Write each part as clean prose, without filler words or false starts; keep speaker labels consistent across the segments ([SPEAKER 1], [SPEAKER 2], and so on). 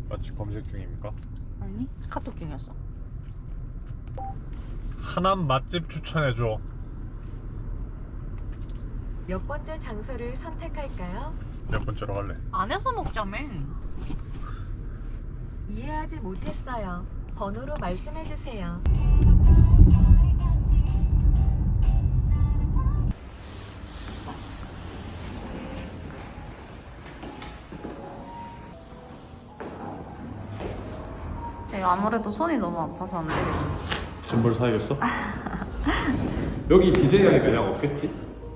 [SPEAKER 1] 맛집 검색 중입니까?
[SPEAKER 2] 아니 카톡 중이었어.
[SPEAKER 1] 하남 맛집 추천해줘.
[SPEAKER 3] 몇 번째 장소를 선택할까요?
[SPEAKER 1] 몇 번째로 갈래?
[SPEAKER 2] 안에서 먹자며.
[SPEAKER 3] 이해하지 못했어요. 번호로 말씀해 주세요.
[SPEAKER 2] 아무래도 손이 너무 아파서 안 되겠어.
[SPEAKER 1] 짐벌 사야겠어? 여기 DJI 매장 없겠지?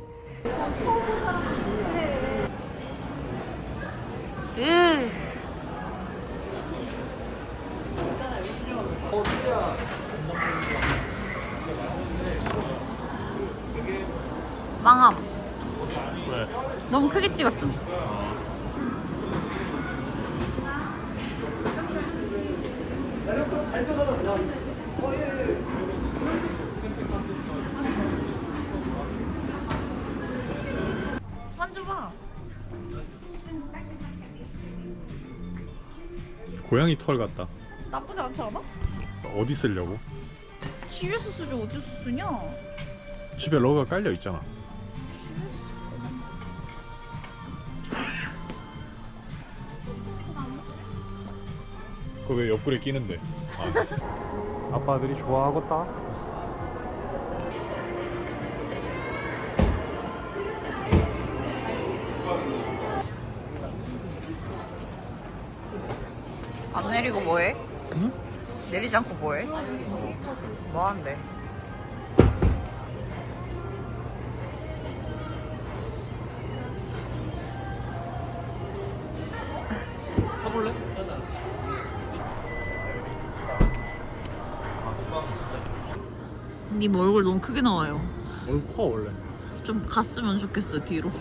[SPEAKER 2] 으. 망함.
[SPEAKER 1] 왜?
[SPEAKER 2] 너무 크게 찍었어. 만져봐.
[SPEAKER 1] 고양이 털 같다.
[SPEAKER 2] 나쁘지 않지 않아?
[SPEAKER 1] 어디 쓰려고?
[SPEAKER 2] 집에서 쓰지 어디서 쓰냐?
[SPEAKER 1] 집에 러그가 깔려 있잖아. 그거 왜 옆구리에 끼는데? 아. 아빠들이 좋아하겠다.
[SPEAKER 2] 안 내리고 뭐해?
[SPEAKER 1] 응?
[SPEAKER 2] 내리지 않고 뭐해? 뭐하는데?
[SPEAKER 1] 타볼래?
[SPEAKER 2] 네 얼굴 너무 크게 나와요.
[SPEAKER 1] 얼굴 커 원래.
[SPEAKER 2] 좀 갔으면 좋겠어 뒤로.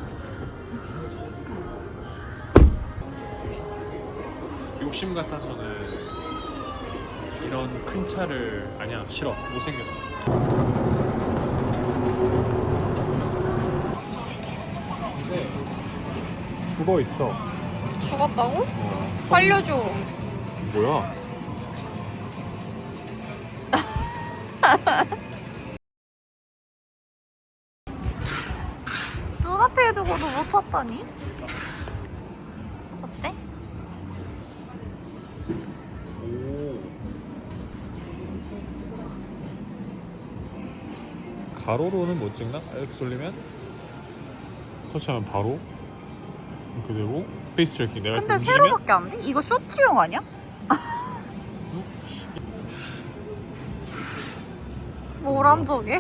[SPEAKER 1] 욕심 같아서는 이런 큰 차를 아니야 싫어 못생겼어. 근데 죽어 있어.
[SPEAKER 2] 죽었다고? 살려줘.
[SPEAKER 1] 뭐야?
[SPEAKER 2] 눈앞에 두고도 못 찾다니? 어때?
[SPEAKER 1] 오. 가로로는 못 찍나? 이렇게 돌리면 터치하면 바로 이렇게 되고 페이스 트래킹 내가
[SPEAKER 2] 근데
[SPEAKER 1] 움직이면
[SPEAKER 2] 세로밖에 안 돼? 이거 쇼츠용 아니야? 뭘 한 적에?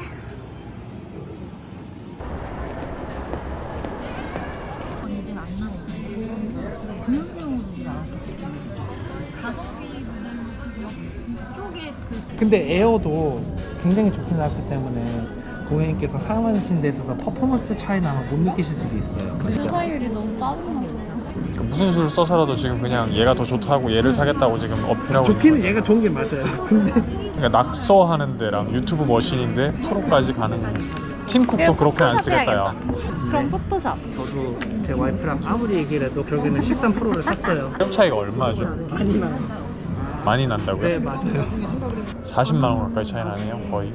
[SPEAKER 4] 이제는 안 나오고 교육용으로 나왔었거든요. 가성비 모델로 이쪽에
[SPEAKER 5] 근데 에어도 굉장히 좋게 나왔기 때문에 고객님께서 사용하신 데 있어서 퍼포먼스 차이나 아마 못 느끼실 수도 있어요.
[SPEAKER 4] 주사율이 너무 따뜻하고
[SPEAKER 1] 그 무슨 수를 써서라도 지금 그냥 얘가 더 좋다고 얘를 사겠다고 지금 어필하고
[SPEAKER 5] 좋기는
[SPEAKER 1] 있는
[SPEAKER 5] 얘가 좋은 게 맞아요. 근데
[SPEAKER 1] 그러니까 낙서하는 데랑 유튜브 머신인데 프로까지 가는 팀쿡도 그렇게 안 쓰겠다 야.
[SPEAKER 4] 그럼 포토샵
[SPEAKER 5] 저도 제 와이프랑 아무리 얘기를 해도 결국에는 13%를 샀어요.
[SPEAKER 1] 가격 차이가 얼마죠?
[SPEAKER 5] 하지만
[SPEAKER 1] 많이 난다고요?
[SPEAKER 5] 네 맞아요.
[SPEAKER 1] 40만 원 가까이 차이 나네요 거의.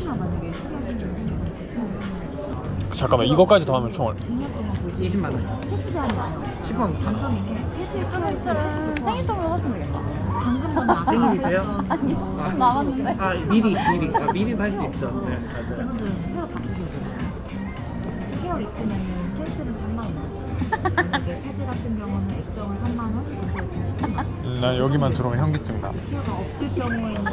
[SPEAKER 1] 잠깐만 이거까지 더하면 총 얼마?
[SPEAKER 5] 20만 원. 10만 5천.
[SPEAKER 4] 프라이스는 생일 선물 하시면 되겠다. 방금 전에
[SPEAKER 5] 생일이세요?
[SPEAKER 4] 아니요.
[SPEAKER 5] 아,
[SPEAKER 4] 나왔는데.
[SPEAKER 5] 아 미리도 할 수 있죠. 네 맞아요.
[SPEAKER 4] 헤어 바꾸셔도 돼요. 헤어 있으면 펜슬은 3만 원. 만약에 패드 같은 경우는 액정은 3만 원, 이거에 10만 원.
[SPEAKER 1] 난 여기만 들어오면 현기증 나.
[SPEAKER 4] 헤어가 없을 경우에는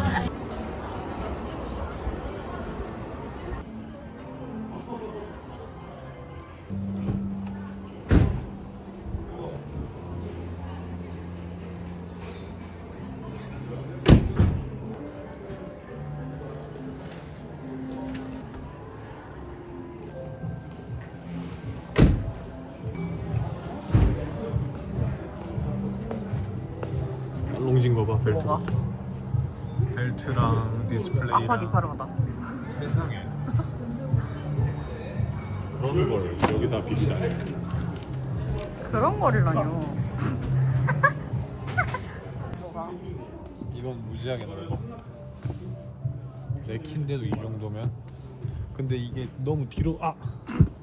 [SPEAKER 1] 롱진 거 봐 벨트.
[SPEAKER 2] 뭐가?
[SPEAKER 1] 벨트랑 디스플레이랑
[SPEAKER 2] 아파 기파르다.
[SPEAKER 1] 세상에 그런 걸 여기다 비싸해.
[SPEAKER 2] 그런 거리라뇨.
[SPEAKER 1] 이건 무지하게 넓어. 내 키인데도 이 정도면. 근데 이게 너무 뒤로